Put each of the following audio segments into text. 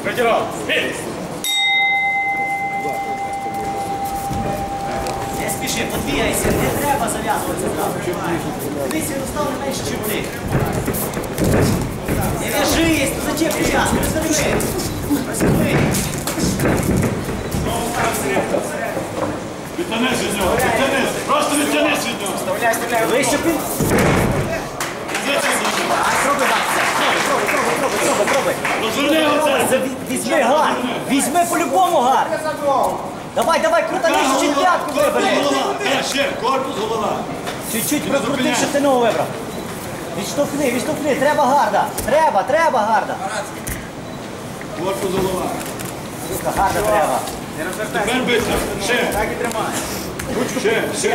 Притирав. Бій! Не спіши, подвігайся, не треба зав'язуватися зразу. Дивіться, він став не менше, ніж ти. Не в'яжись, ну зачем прив'язку? Розверни. Розверни. Відтянись від нього, відтянись. Просто відтянись від нього. Вставляй, вставляй. Вище пін. Пробуй так. Пробуй. Розверни його це. Візьми гар. Візьми по-любому гар. Давай, круто, нижче чуть п'ятку вибери. Голова. Ще, корпус, голова. Чуть-чуть прокрути, щоб ти ногу вибрав. Відштовхни, треба гарда. Треба гарда. Корпус, голова. Гарда треба. Не розвертай. Тепер биться. Ще. Так і тримай. Ще.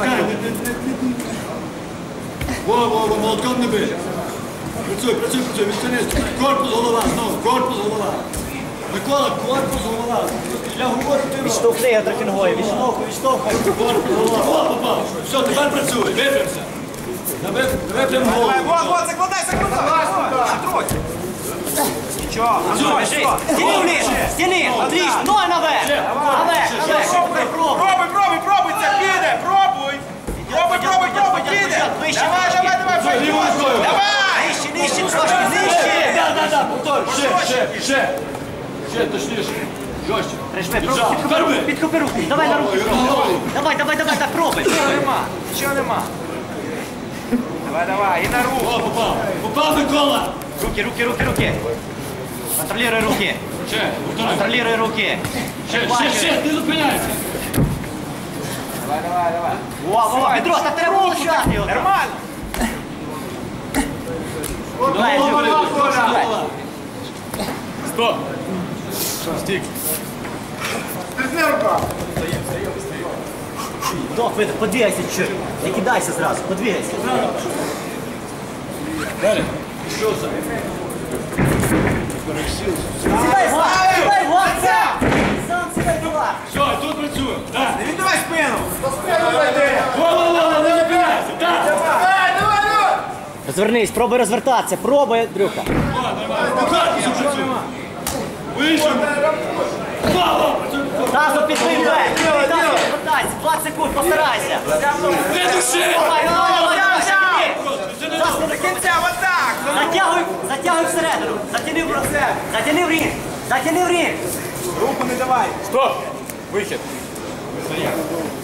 Во, молотком не бий. Працюй, відтянись. Корпус, голова, знову. Корпус, голова. Микола, корпус, голова. Я говорю, ти робиш. Відштовхни його трохи ногою. Відштовхуй. Корпус, голова. О, попав. Все, тепер працюй. Випрямся. Випрям голову. Давай, вот, закладай. Ще трохи. Нічого. Стіни вниз. Стіни. Отлично. Ноги наверх. Наверх. Пробуй, це піде. Пробуй, піде. Давай. Нижче, трошки, нижче. Да, повтор. Ще, точніше. Жорстче. Прижми, підхопи руки. Давай на руки. Давай, так пробуй. Нічого нема. Давай, і на руку. О, попав Микола. Руки. Контролируй руки. Ще, повтори. Контролируй руки. Ще, не зупиняйся. Давай. Во, Петро, так треба влучати його. Нормально. Стоп. Стік. Стрітни рука. Подвигайся чуть. Не кидайся зразу, подвигайся. Далі. Що це? Сідай в гар. Сам сідай в гар. Все, і тут працюємо. Так. Не віддавай спину. Во, не зупиняйся. Так. Давай. Розвернись, пробуй розвертатися. Пробуй, Андрюха. Корпусом працюємо. Вийшов. Тазу підвий вверх. Розвертайся, 20 секунд, постарайся. Не души. Давай. До кінця, отак. Затягуй всередину. Затяни в рінг. Руку не давай. Стоп. Вихід.